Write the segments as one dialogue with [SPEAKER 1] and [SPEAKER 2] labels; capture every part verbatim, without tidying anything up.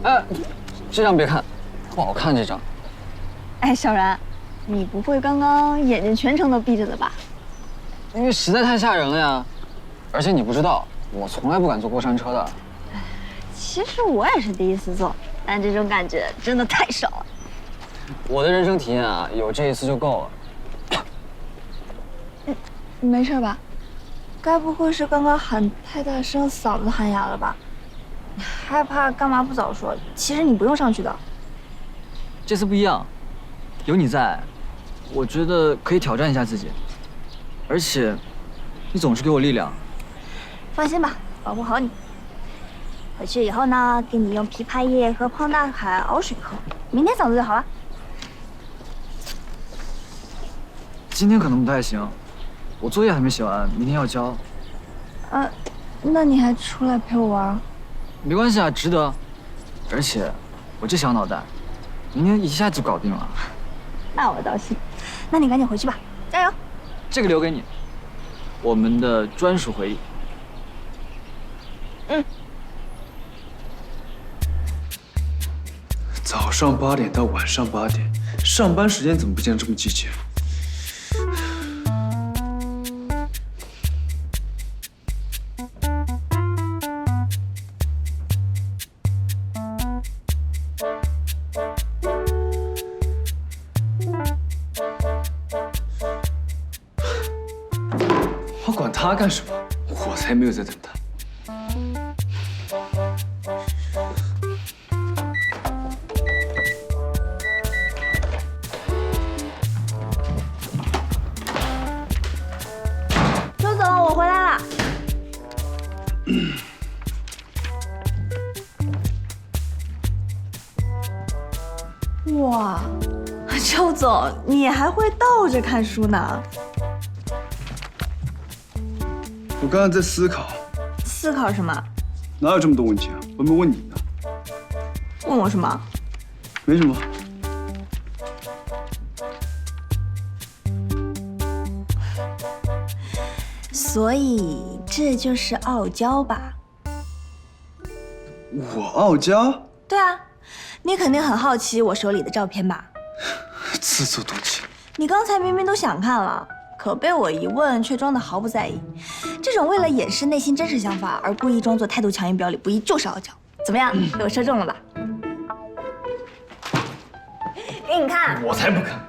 [SPEAKER 1] 哎，这张别看，不好看这张。
[SPEAKER 2] 哎，小然，你不会刚刚眼睛全程都闭着的吧？
[SPEAKER 1] 因为实在太吓人了呀，而且你不知道，我从来不敢坐过山车的。
[SPEAKER 2] 其实我也是第一次坐，但这种感觉真的太爽了。
[SPEAKER 1] 我的人生体验啊，有这一次就够了。
[SPEAKER 2] 嗯，你没事吧？该不会是刚刚喊太大声，嗓子喊哑了吧？你害怕干嘛不早说？其实你不用上去的。
[SPEAKER 3] 这次不一样，有你在，我觉得可以挑战一下自己。而且，你总是给我力量。
[SPEAKER 2] 放心吧，保护好你。回去以后呢，给你用枇杷叶和胖大海熬水喝，明天嗓子就好了。
[SPEAKER 3] 今天可能不太行，我作业还没写完，明天要交。
[SPEAKER 2] 呃，那你还出来陪我玩？
[SPEAKER 3] 没关系啊，值得。而且，我这小脑袋，明天一下就搞定了。
[SPEAKER 2] 那我倒信。那你赶紧回去吧，加油！
[SPEAKER 3] 这个留给你，我们的专属回忆。
[SPEAKER 2] 嗯。
[SPEAKER 4] 早上八点到晚上八点，上班时间怎么不见得这么积极？我管他干什么？我才没有在等他。
[SPEAKER 2] 周总，我回来了。哇，周总，你还会倒着看书呢？
[SPEAKER 4] 我刚刚在思考，
[SPEAKER 2] 思考什么？
[SPEAKER 4] 哪有这么多问题啊？我没问你呢。
[SPEAKER 2] 问我什么？
[SPEAKER 4] 没什么。
[SPEAKER 2] 所以这就是傲娇吧？
[SPEAKER 4] 我傲娇？
[SPEAKER 2] 对啊，你肯定很好奇我手里的照片吧？
[SPEAKER 4] 自作多情。
[SPEAKER 2] 你刚才明明都想看了，可被我一问却装得毫不在意。这种为了掩饰内心真实想法而故意装作态度强硬表里不一，就是傲娇。怎么样，被我说中了吧？给你看。
[SPEAKER 4] 我才不看。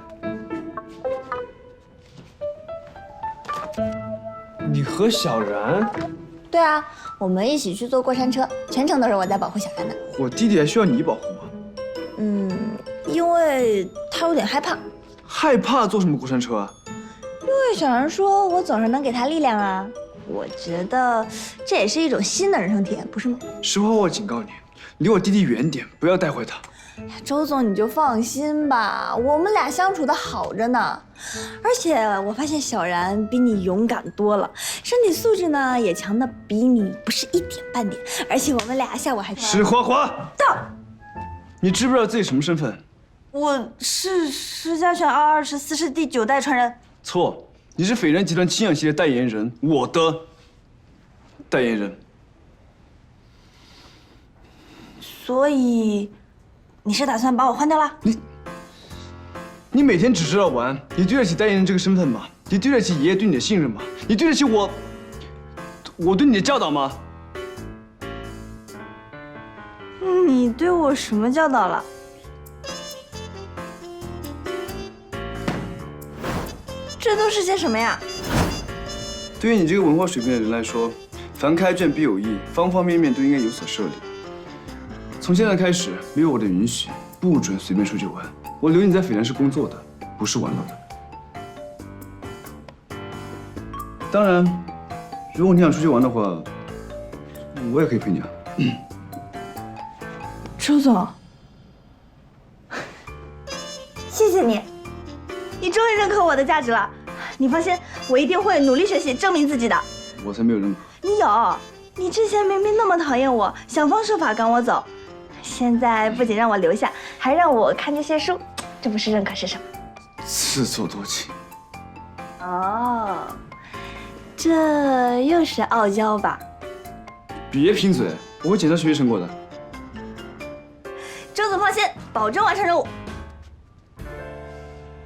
[SPEAKER 4] 你和小然？
[SPEAKER 2] 对啊，我们一起去坐过山车，全程都是我在保护小然的。
[SPEAKER 4] 我弟弟还需要你保护吗？
[SPEAKER 2] 嗯，因为他有点害怕。
[SPEAKER 4] 害怕坐什么过山车啊？
[SPEAKER 2] 因为小然说我总是能给他力量啊，我觉得这也是一种新的人生体验，不是吗？
[SPEAKER 4] 实话，我警告你，离我弟弟远点，不要带坏他。
[SPEAKER 2] 周总，你就放心吧，我们俩相处的好着呢。而且我发现小然比你勇敢多了，身体素质呢也强的比你不是一点半点。而且我们俩下午还
[SPEAKER 4] 石花花，
[SPEAKER 2] 到，
[SPEAKER 4] 你知不知道自己什么身份？
[SPEAKER 2] 我是石家泉二二十四世第九代传人。
[SPEAKER 4] 错，你是斐然集团清氧系列代言人，我的代言人。
[SPEAKER 2] 所以，你是打算把我换掉了？
[SPEAKER 4] 你，你每天只知道玩，你对得起代言人这个身份吗？你对得起爷爷对你的信任吗？你对得起我，我对你的教导吗？
[SPEAKER 2] 你对我什么教导了？这都是些什么呀？
[SPEAKER 4] 对于你这个文化水平的人来说，凡开卷必有益，方方面面都应该有所涉猎。从现在开始，没有我的允许，不准随便出去玩。我留你在斐然是工作的，不是玩乐的。当然，如果你想出去玩的话，我也可以陪你啊。
[SPEAKER 2] 周总，谢谢你，你终于认可我的价值了。你放心，我一定会努力学习，证明自己的。
[SPEAKER 4] 我才没有认可。
[SPEAKER 2] 你有，你之前明明那么讨厌我，想方设法赶我走，现在不仅让我留下，还让我看这些书，这不是认可是什么？
[SPEAKER 4] 自作多情。
[SPEAKER 2] 哦，这又是傲娇吧？
[SPEAKER 4] 别贫嘴，我会检查学习成果的。
[SPEAKER 2] 周总放心，保证完成任务。